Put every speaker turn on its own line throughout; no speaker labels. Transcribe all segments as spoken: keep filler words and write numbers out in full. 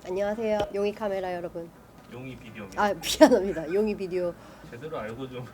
안녕하세요. 용이 카메라 여러분.
용이 비디오.
아 미안합니다. 용이 비디오.
제대로 알고 좀.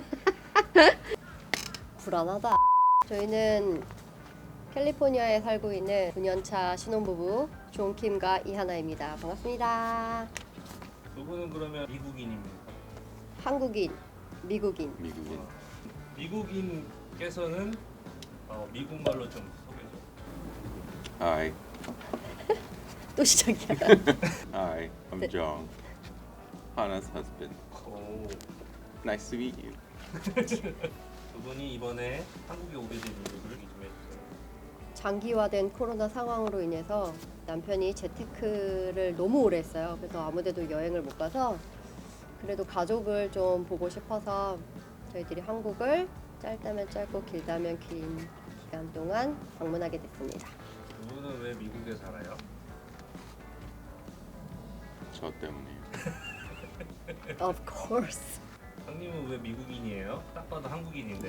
불안하다. 저희는 캘리포니아에 살고 있는 구 년차 신혼부부 존킴과 이하나입니다. 반갑습니다.
두 분은 그러면 미국인입니까?
한국인, 미국인.
미국인.
어, 미국인께서는 어, 미국 말로 좀 소개 좀.
Hi,
또 시작이야.
hi, I'm
네.
Jong, Hana's husband.
오.
Nice to meet you.
두 분이 이번에 한국에 오게 된 이유를 얘기 좀 해주세요.
장기화된 코로나 상황으로 인해서 남편이 재테크를 너무 오래 했어요. 그래서 아무데도 여행을 못 가서 그래도 가족을 좀 보고 싶어서 저희들이 한국을 짧다면 짧고 길다면 긴 기간 동안 방문하게 됐습니다.
두 분은 왜 미국에 살아요?
저 때문에요.
Of course.
형님은 왜 미국인이에요? 딱 봐도 한국인인데.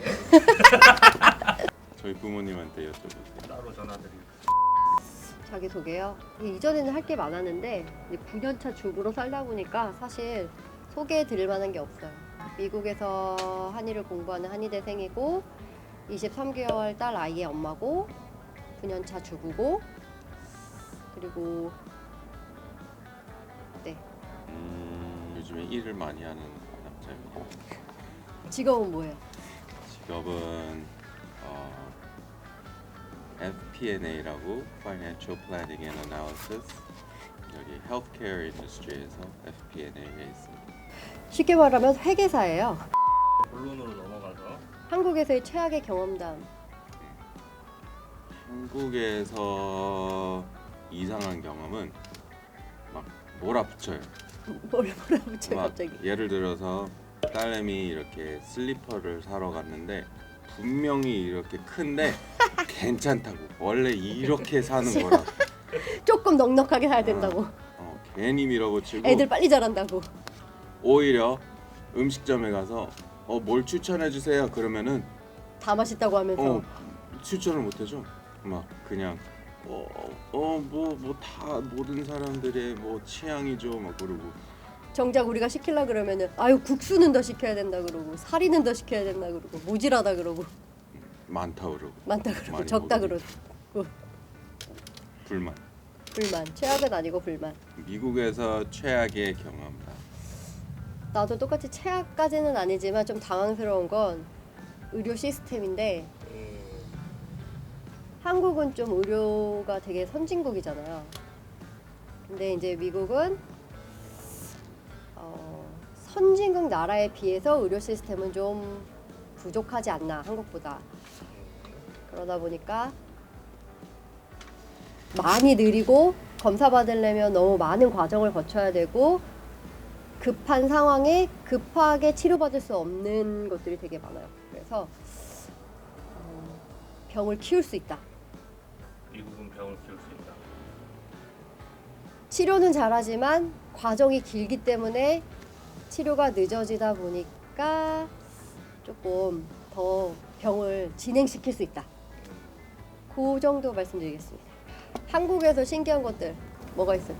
저희 부모님한테 여쭤보세요.
따로 전화드리고.
자기 소개요. 이전에는 할 게 많았는데 이제 구 년차 주부로 살다 보니까 사실 소개해 드릴 만한 게 없어요. 미국에서 한의를 공부하는 한의대생이고 이십삼 개월 딸 아이의 엄마고 구 년차 주부고 그리고 네
음, 요즘에 일을 많이 하는 남자입니다.
직업은 뭐예요?
직업은 어, 에프피앤에이라고 Financial Planning and Analysis. 여기 Healthcare Industry에서 에프피앤에이에 있습니다.
쉽게 말하면 회계사예요.
본론으로 넘어가서
한국에서의 최악의 경험담.
한국에서 이상한 경험은 막 몰아붙여요.
뭘 몰아붙여
막
갑자기.
예를 들어서 딸내미 이렇게 슬리퍼를 사러 갔는데 분명히 이렇게 큰데 괜찮다고 원래 이렇게 사는 거라
조금 넉넉하게 사야 된다고.
어, 괜히 밀어붙이고
애들 빨리 자란다고.
오히려 음식점에 가서 어, 뭘 추천해 주세요 그러면은
다 맛있다고 하면서.
어, 추천을 못 해줘. 막 그냥 어어뭐 뭐 다 모든 사람들의 뭐 취향이죠 막 그러고
정작 우리가 시키려 그러면은 아유 국수는 더 시켜야 된다 그러고 사리는 더 시켜야 된다 그러고 모질하다 그러고
많다 그러고
많다 그러고
많이
적다
먹으니까.
그러고
불만.
불만. 최악은 아니고 불만.
미국에서 최악의 경험.
나도 똑같이 최악까지는 아니지만 좀 당황스러운 건 의료 시스템인데
음,
한국은 좀 의료가 되게 선진국이잖아요. 근데 이제 미국은 어, 선진국 나라에 비해서 의료 시스템은 좀 부족하지 않나 한국보다. 그러다 보니까 많이 느리고 검사 받으려면 너무 많은 과정을 거쳐야 되고 급한 상황에 급하게 치료받을 수 없는 것들이 되게 많아요. 그래서 어, 병을 키울 수 있다.
미국은 병을 키울 수 있다.
치료는 잘하지만 과정이 길기 때문에 치료가 늦어지다 보니까 조금 더 병을 진행시킬 수 있다. 그 정도 말씀드리겠습니다. 한국에서 신기한 것들 뭐가 있어요?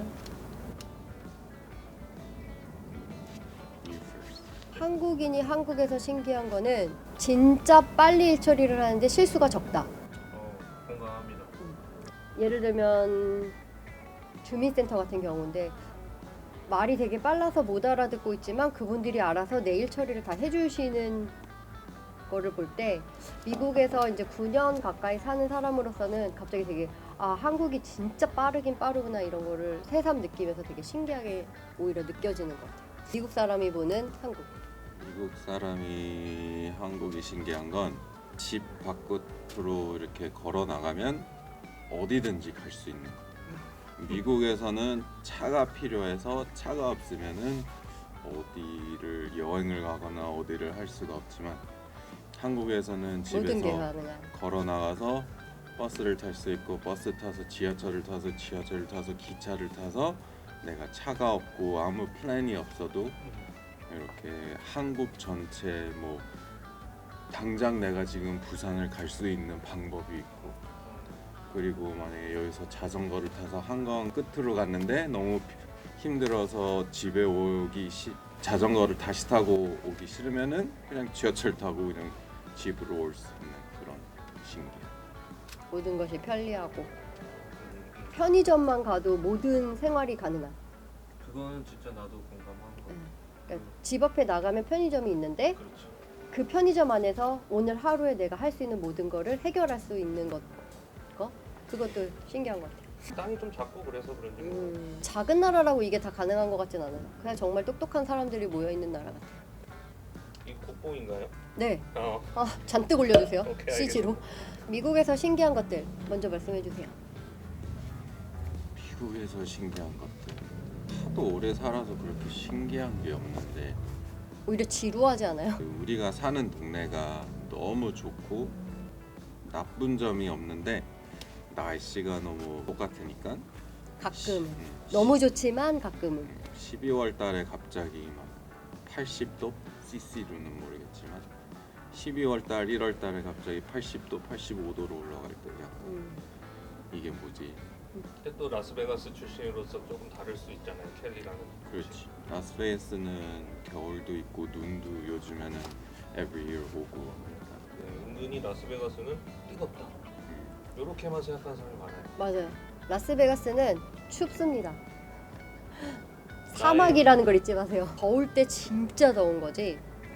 You first.
한국인이 한국에서 신기한 거는 진짜 빨리 일 처리를 하는데 실수가 적다.
어, 공감합니다.
예를 들면 주민센터 같은 경우인데 말이 되게 빨라서 못 알아듣고 있지만 그분들이 알아서 내 일 처리를 다 해주시는 거를 볼 때 미국에서 이제 구 년 가까이 사는 사람으로서는 갑자기 되게 아 한국이 진짜 빠르긴 빠르구나 이런 거를 새삼 느끼면서 되게 신기하게 오히려 느껴지는 것 같아요. 미국 사람이 보는 한국.
미국 사람이 한국이 신기한 건 집 밖으로 이렇게 걸어 나가면 어디든지 갈 수 있는 거. 미국에서는 차가 필요해서 차가 없으면은 어디를 여행을 가거나 어디를 할 수가 없지만 한국에서는
모든 게
집에서
가능한.
걸어 나가서 버스를 탈 수 있고 버스 타서 지하철을 타서 지하철을 타서 기차를 타서 내가 차가 없고 아무 플랜이 없어도 이렇게 한국 전체 뭐 당장 내가 지금 부산을 갈 수 있는 방법이 있고 그리고 만약에 여기서 자전거를 타서 한강 끝으로 갔는데 너무 힘들어서 집에 오기 시, 자전거를 다시 타고 오기 싫으면은 그냥 지하철 타고 그냥 집으로 올 수 있는 그런 신기해.
모든 것이 편리하고
음,
편의점만 가도 모든 생활이 가능한.
그거는 진짜 나도 공감하는 거.
음. 그러니까 집 앞에 나가면 편의점이 있는데
그렇죠.
그 편의점 안에서 오늘 하루에 내가 할 수 있는 모든 거를 해결할 수 있는 것, 거? 그것도 신기한 것 같아요.
땅이 좀 작고 그래서 그런지 뭐.
음, 작은 나라라고 이게 다 가능한 것 같진 않아요. 그냥 정말 똑똑한 사람들이 모여 있는 나라 같아요.
이 국보인가요?
네,
어.
아, 잔뜩 올려주세요.
오케이,
씨지로. 미국에서 신기한 것들 먼저 말씀해 주세요.
미국에서 신기한 것들. 하도 오래 살아서 그렇게 신기한 게 없는데
오히려 지루하지 않아요?
그 우리가 사는 동네가 너무 좋고 나쁜 점이 없는데 날씨가 너무 똑같으니까
가끔
음,
너무 좋지만 가끔은
십이월 달에 갑자기 막 팔십 도 씨씨로는 모르겠지만 십이월 달, 일월 달에 갑자기 팔십 도, 팔십오 도로 올라갈 때 약간
음,
이게 뭐지?
근데 또 라스베가스 출신으로서 조금 다를 수 있잖아요. 캘리라는.
그렇지. 라스베이거스는 겨울도 있고 눈도 요즘에는 every year 오고 그러니까.
네, 은근히 라스베가스는 뜨겁다. 이렇게만 생각하는 사람이 많아요.
맞아요. 라스베가스는 춥습니다. 사막이라는 걸 잊지 마세요. 더울 때 진짜 더운 거지.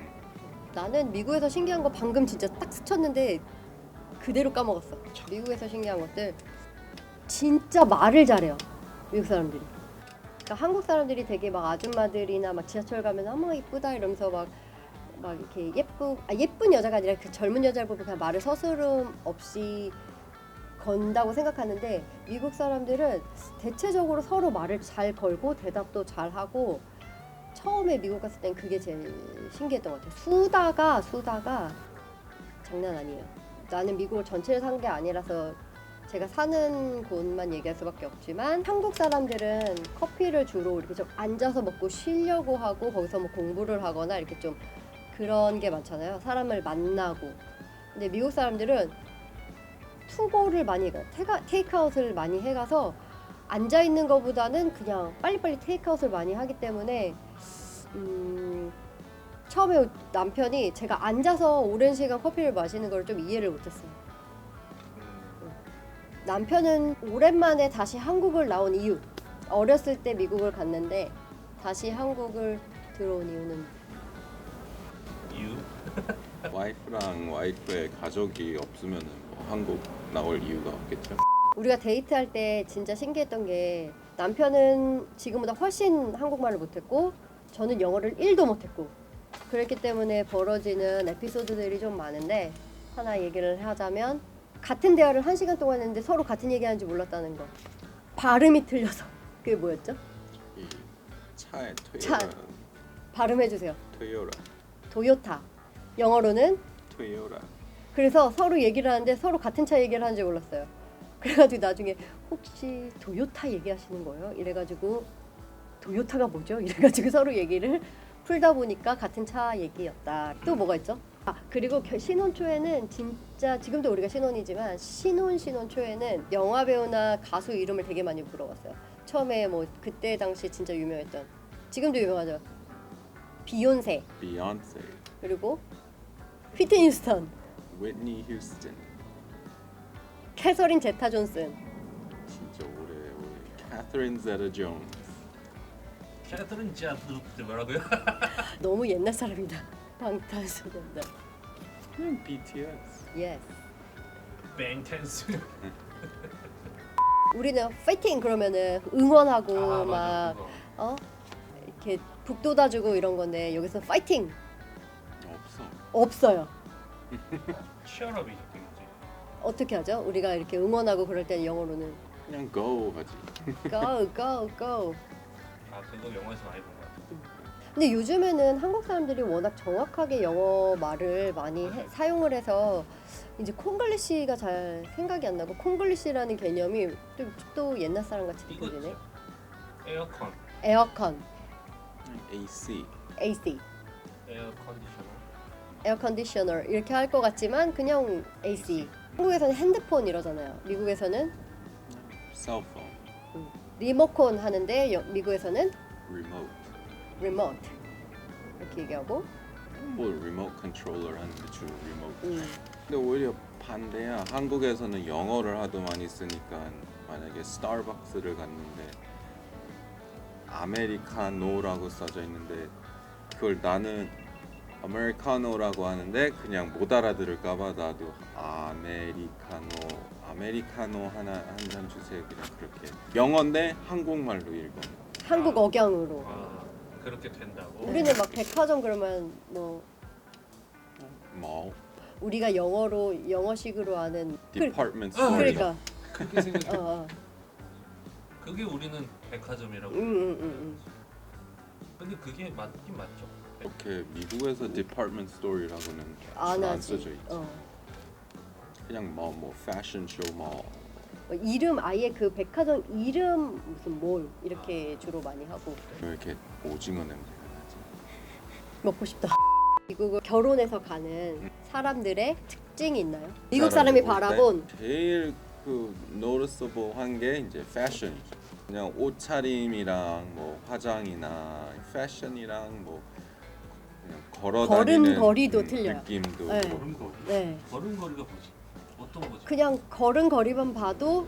나는 미국에서 신기한 거 방금 진짜 딱 스쳤는데 그대로 까먹었어. 미국에서 신기한 것들 진짜 말을 잘해요. 미국 사람들이. 그러니까 한국 사람들이 되게 막 아줌마들이나 막 지하철 가면 어머 이쁘다 이러면서 막 막 이렇게 예쁘 아 예쁜 여자가 아니라 그 젊은 여자를 보면 그냥 말을 서스름 없이 건다고 생각하는데 미국 사람들은 대체적으로 서로 말을 잘 걸고 대답도 잘 하고 처음에 미국 갔을 땐 그게 제일 신기했던 것 같아요. 수다가 수다가 장난 아니에요. 나는 미국을 전체를 산 게 아니라서 제가 사는 곳만 얘기할 수밖에 없지만 한국 사람들은 커피를 주로 이렇게 좀 앉아서 먹고 쉬려고 하고 거기서 뭐 공부를 하거나 이렇게 좀 그런 게 많잖아요. 사람을 만나고. 근데 미국 사람들은 투고를 많이 해요. 테가, 테이크아웃을 많이 해가서 앉아 있는 것보다는 그냥 빨리빨리 테이크아웃을 많이 하기 때문에 음, 처음에 남편이 제가 앉아서 오랜 시간 커피를 마시는 걸 좀 이해를 못했어요.
음,
남편은 오랜만에 다시 한국을 나온 이유, 어렸을 때 미국을 갔는데 다시 한국을 들어온 이유는
이유?
와이프랑 와이프의 가족이 없으면은 뭐 한국 나올 이유가 없겠죠.
우리가 데이트할 때 진짜 신기했던 게 남편은 지금보다 훨씬 한국말을 못했고 저는 영어를 일도 못했고 그랬기 때문에 벌어지는 에피소드들이 좀 많은데 하나 얘기를 하자면 같은 대화를 한 시간 동안 했는데 서로 같은 얘기하는지 몰랐다는 거. 발음이 틀려서. 그게 뭐였죠?
이 차에
차.
토요라,
발음해주세요.
토요라,
도요타. 영어로는
토요라.
그래서 서로 얘기를 하는데 서로 같은 차 얘기를 하는지 몰랐어요. 그래가지고 나중에 혹시 도요타 얘기하시는 거예요? 이래가지고 도요타가 뭐죠? 이래가지고 서로 얘기를 풀다 보니까 같은 차 얘기였다. 또 뭐가 있죠? 아 그리고 겨- 신혼 초에는 진짜 지금도 우리가 신혼이지만 신혼 신혼 초에는 영화 배우나 가수 이름을 되게 많이 물어봤어요. 처음에 뭐 그때 당시 진짜 유명했던 지금도 유명하죠. 비욘세
비욘세,
그리고 휘트니 휴스턴,
휘트니 휴스턴.
캐서린 제타 존슨.
진짜 오래 오래. 캐서린 제타 존스.
캐릭터는 진짜 뭐라고요?
너무 옛날 사람이다. 방탄소년단.
음, 비티에스.
예스.
뱅텐스.
우리는 파이팅 그러면은 응원하고
아
막
맞아. 그거.
어? 이렇게 북돋아주고 이런 건데 여기서 파이팅
없어.
없어요.
치얼업이죠, 되겠지.
어떻게 하죠? 우리가 이렇게 응원하고 그럴 때는 영어로는
그냥 go 하지.
go go go.
아 그거 영화에서 많이 본 것 같아.
근데 요즘에는 한국 사람들이 워낙 정확하게 영어 말을 많이 해, 사용을 해서 이제 콩글리시가 잘 생각이 안 나고 콩글리시라는 개념이 좀 또 옛날 사람 같이 느껴지네.
이거죠. 에어컨,
에어컨,
에이씨.
에이씨.
에어 컨디셔너.
에어 컨디셔너 이렇게 할 것 같지만 그냥 에이씨. 한국에서는 핸드폰 이러잖아요. 미국에서는
셀폰,
리모컨 하는데 여, 미국에서는
리모트.
리모트 이렇게 얘기하고.
뭐 리모트 컨트롤러 하는데 주로 리모트.
음.
근데 오히려 반대야. 한국에서는 영어를 하도 많이 쓰니까 만약에 스타벅스를 갔는데 아메리카노라고 써져 있는데 그걸 나는 아메리카노라고 하는데 그냥 못 알아들을까봐 나도 아메리카노 아메리카노 하나 한 잔 주세요 그냥 그렇게 영어인데 한국말로 읽어.
한국 억양으로.
아, 그렇게 된다고?
우리는 막 백화점 그러면 뭐
뭐
우리가 영어로 영어식으로 하는 그,
디파트먼트
어,
스토어.
그러니까
그렇게 생각해.
어, 어.
그게 우리는 백화점이라고.
음, 음, 음,
근데 그게 맞긴 맞죠.
이렇게 미국에서 디파트먼트 스토어라고는
음. 안
안
하지.
써져 있지.
어.
그냥 뭐 뭐 패션 쇼뭐
뭐 이름 아예 그 백화점 이름 무슨 몰 이렇게 주로 많이 하고.
이렇게 오징어 냄새가 나지.
먹고 싶다. 미국을 결혼해서 가는 사람들의 특징이 있나요? 미국
사람들
사람이
볼 때
바라본
제일 그 노티스블한 게 이제 패션이죠. 그냥 옷차림이랑 뭐 화장이나 패션이랑 뭐 그냥 걸어다니는
걸음걸이도
음,
틀려요.
느낌도
네.
걸음걸이.
네
걸음걸이가 뭐지? 어떤 거지?
그냥 걸음걸이만 봐도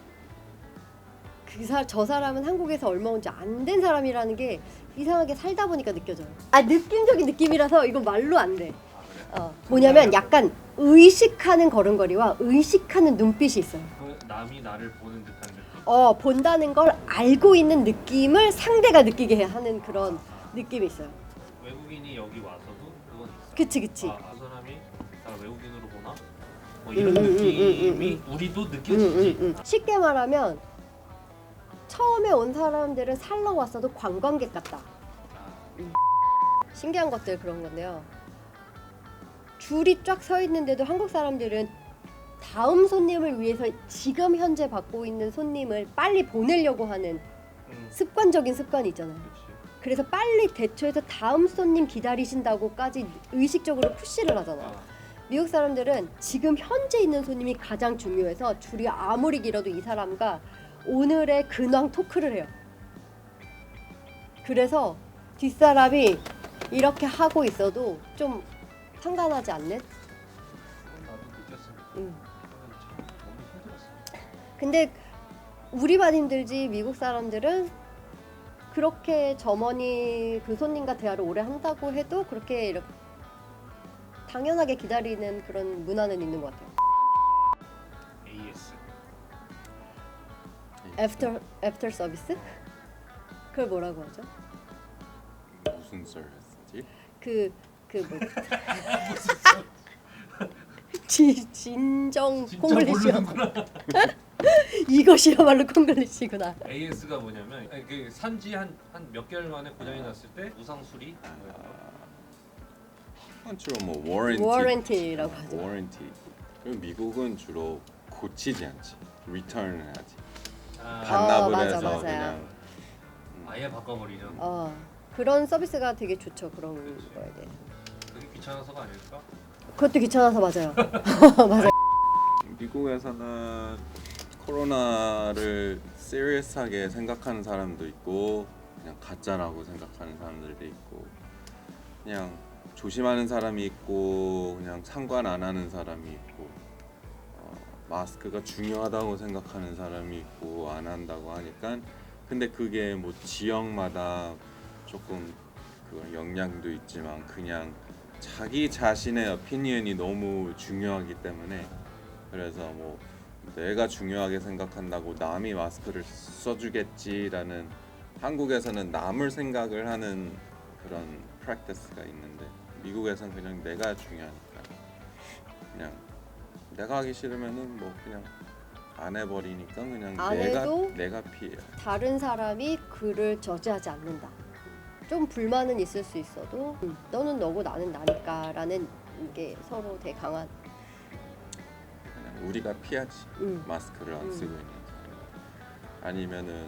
그 사, 저 사람은 한국에서 얼마 온지 안 된 사람이라는 게 이상하게 살다 보니까 느껴져요. 아 느낌적인 느낌이라서 이건 말로 안 돼.
아 그래?
어, 뭐냐면 약간 의식하는 걸음걸이와 의식하는 눈빛이 있어요.
그 남이 나를 보는 듯한 느낌.
어 본다는 걸 알고 있는 느낌을 상대가 느끼게 하는 그런 느낌이 있어요.
외국인이 여기 와서도 그건 있어.
그치 그치.
아, 그 사람이 나 외국인으로 보나? 뭐
음,
이런
음, 음,
느낌이
음, 음,
우리도
음,
느껴지지.
음, 음. 쉽게 말하면 처음에 온 사람들은 살러 왔어도 관광객 같다.
아,
신기한 것들 그런 건데요. 줄이 쫙 서 있는데도 한국 사람들은 다음 손님을 위해서 지금 현재 받고 있는 손님을 빨리 보내려고 하는
음,
습관적인 습관이 있잖아요.
그렇지.
그래서 빨리 대처해서 다음 손님 기다리신다고까지 의식적으로 푸시를 하잖아요.
아,
미국 사람들은 지금 현재 있는 손님이 가장 중요해서 줄이 아무리 길어도 이 사람과 오늘의 근황 토크를 해요. 그래서 뒷사람이 이렇게 하고 있어도 좀 상관하지 않는?
나도 느꼈습니다.
음.
저는 참 너무 힘들었어.
근데 우리만 힘들지 미국 사람들은 그렇게 점원이 그 손님과 대화를 오래 한다고 해도 그렇게 이렇게 당연하게 기다리는 그런 문화는 있는 것 같아요.
에이에스.
애프터 애프터 서비스? 그걸 뭐라고 하죠?
무슨 서비스지?
그그뭐 진정
진짜
콩글리시요.
모르는구나.
이것이야말로 콩글리시구나.
에이에스가 뭐냐면 아니, 그 산지 한 한 몇 개월 만에 고장이 났을 때 무상 수리.
아, 주로 뭐 워런티.
워런티라고 하죠.
워런티. 그리고 미국은 주로 고치지 않지. 리턴을 하지.
아,
반납을
맞아,
해서
맞아요.
그냥
아예 바꿔버리죠.
어 그런 서비스가 되게 좋죠. 그런
그치.
거에 대해.
그게 귀찮아서가 아닐까?
그것도 귀찮아서 맞아요. 맞아요.
미국에서는 코로나를 시리어스하게 생각하는 사람도 있고 그냥 가짜라고 생각하는 사람들도 있고 그냥 조심하는 사람이 있고 그냥 상관 안 하는 사람이 있고 어, 마스크가 중요하다고 생각하는 사람이 있고 안 한다고 하니까 근데 그게 뭐 지역마다 조금 그 영향도 있지만 그냥 자기 자신의 오피니언이 너무 중요하기 때문에 그래서 뭐 내가 중요하게 생각한다고 남이 마스크를 써주겠지라는 한국에서는 남을 생각을 하는 그런 프랙티스가 있는데 미국에서는 그냥 내가 중요하니까 그냥 내가 하기 싫으면은 뭐 그냥 안 해버리니까 그냥
안
내가
해도
내가 피해.
다른 사람이 그를 저지하지 않는다. 좀 불만은 있을 수 있어도 음, 너는 너고 나는 나니까라는 게 서로 되게 강한.
그냥 우리가 피하지.
음.
마스크를 안
음.
쓰고 있는 사람. 아니면은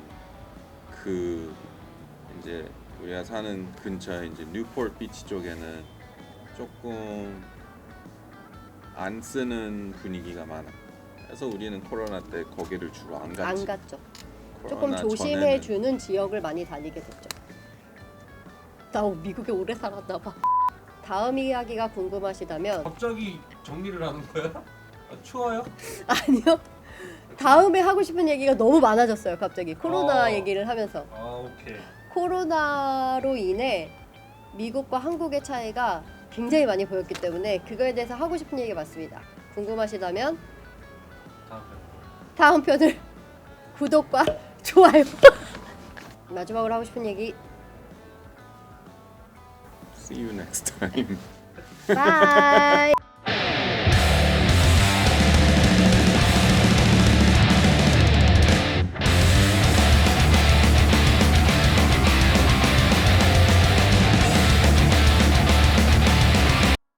그 이제 우리가 사는 근처에 이제 뉴포트 비치 쪽에는 조금 안 쓰는 분위기가 많아. 그래서 우리는 코로나 때 거기를 주로 안 갔지.
안 갔죠. 조금
코로나
조심해
전에는.
주는 지역을 많이 다니게 됐죠. 나 미국에 오래 살았나 봐. 다음 이야기가 궁금하시다면
갑자기 정리를 하는 거야? 아, 추워요?
아니요. 다음에 하고 싶은 얘기가 너무 많아졌어요. 갑자기 코로나
어.
얘기를 하면서
아 오케이.
코로나로 인해 미국과 한국의 차이가 굉장히 많이 보였기 때문에 그거에 대해서 하고 싶은 얘기가 많습니다. 궁금하시다면
다음 편.
다음 편을 구독과 좋아요. 마지막으로 하고 싶은 얘기.
See you next time.
바이.